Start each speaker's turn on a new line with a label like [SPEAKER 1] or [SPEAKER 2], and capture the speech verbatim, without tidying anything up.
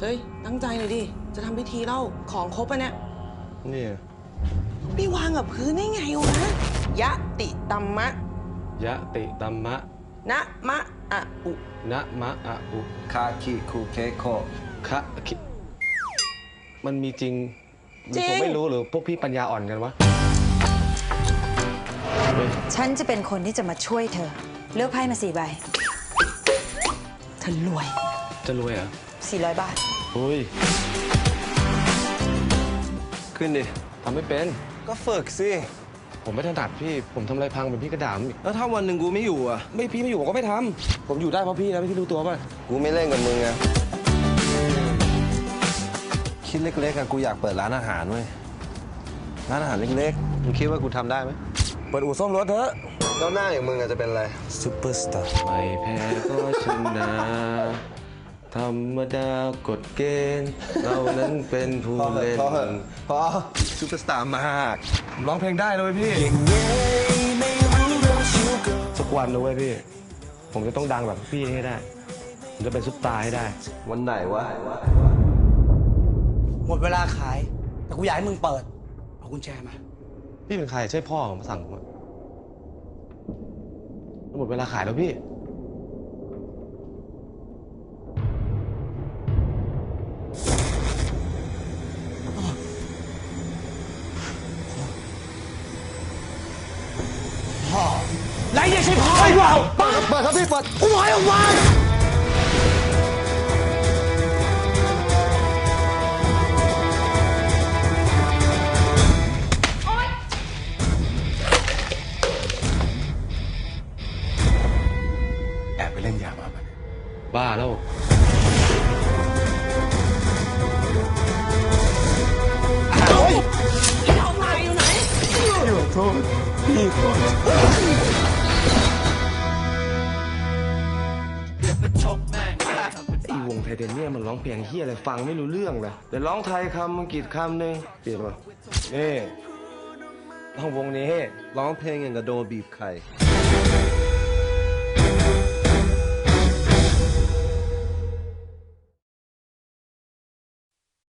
[SPEAKER 1] เฮ้ยตั้งใจเลยดิจะทำพิธีเล่าของครบปะเนี่ย
[SPEAKER 2] นี่
[SPEAKER 1] ไปวางกับพื้นได้ไงวะยะติตัมมะ
[SPEAKER 2] ยะติตัมมะ
[SPEAKER 1] นะมะอะอุ
[SPEAKER 2] นะมะอะอุ
[SPEAKER 3] คาคิคูเคโค
[SPEAKER 2] คะคิมันมีจริงผมไม่รู้หรือพวกพี่ปัญญาอ่อนกันวะ
[SPEAKER 4] ฉันจะเป็นคนที่จะมาช่วยเธอเลือกไพ่มาสี่ใบเธอรวย
[SPEAKER 2] จะรวยเหรอ
[SPEAKER 4] สี่ร้อยบาท
[SPEAKER 2] อุ้ย
[SPEAKER 3] ขึ้นดิ
[SPEAKER 2] ทำไม่เป็น
[SPEAKER 3] ก็ฝึกสิ
[SPEAKER 2] ผมไม่ถนัดพี่ผมทำอะไรพังเป็นพี่กระดามอีก
[SPEAKER 3] แล้วถ้าวันหนึ่งกูไม่อยู่อ่ะ
[SPEAKER 2] ไม่พี่ไม่อยู่ผมก็ไม่ทำผมอยู่ได้เพราะพี่นะพี่รู้ตัวป่ะ
[SPEAKER 3] กูไม่เล่นกับมึงไงคิดเล็กๆอะกูอยากเปิดร้านอาหารเว้ยร้านอาหารเล็กๆมึงคิดว่ากูทำได้ไหม
[SPEAKER 2] เปิดอู่ซ่อมรถเถอะ
[SPEAKER 3] แล้วหน้าอย่างมึงอาจจะเป็นอะไรซูเปอร์สตาร์
[SPEAKER 2] ไม่แพ้ก็ชนะธรรมดากฎเกณฑ์เรานั้นเป็นผู้เล่น
[SPEAKER 3] พอซูเปอร์สตาร์มาก
[SPEAKER 2] ร้องเพลงได้เลยพี่สักวันนะเว้ยพี่ผมจะต้องดังแบบพี่ให้ได้ผมจะเป็นซุปตาร์ให้ได้
[SPEAKER 3] วันไหนวะ
[SPEAKER 5] หมดเวลาขายแต่กูอยากให้มึงเปิดเอากุญแจมา
[SPEAKER 2] พี่เป็นใครใช่พ่อผมมาสั่งผมหมดเวลาขายแล้วพี่
[SPEAKER 5] พ่อไรเนี่ยใช่พ่อไอ้บ่าว
[SPEAKER 3] เปิดเปิดครับพี่เปิด
[SPEAKER 5] กูบอกให้ออกมา
[SPEAKER 3] แอบไปเล่นยามา
[SPEAKER 2] บ้าแล้ว
[SPEAKER 3] โทษพี่ขอโทษ
[SPEAKER 2] ไอ้วงไทเทเนียมมันร้องเพลงเฮียอะไรฟังไม่รู้เรื่องเลยแต่ร้องไทยคำอังกฤษคำหนึ่งเปลี่ยนมานี่ร้องวงนี้
[SPEAKER 3] ร้องเพลงอย่างกับโดนบีบไข่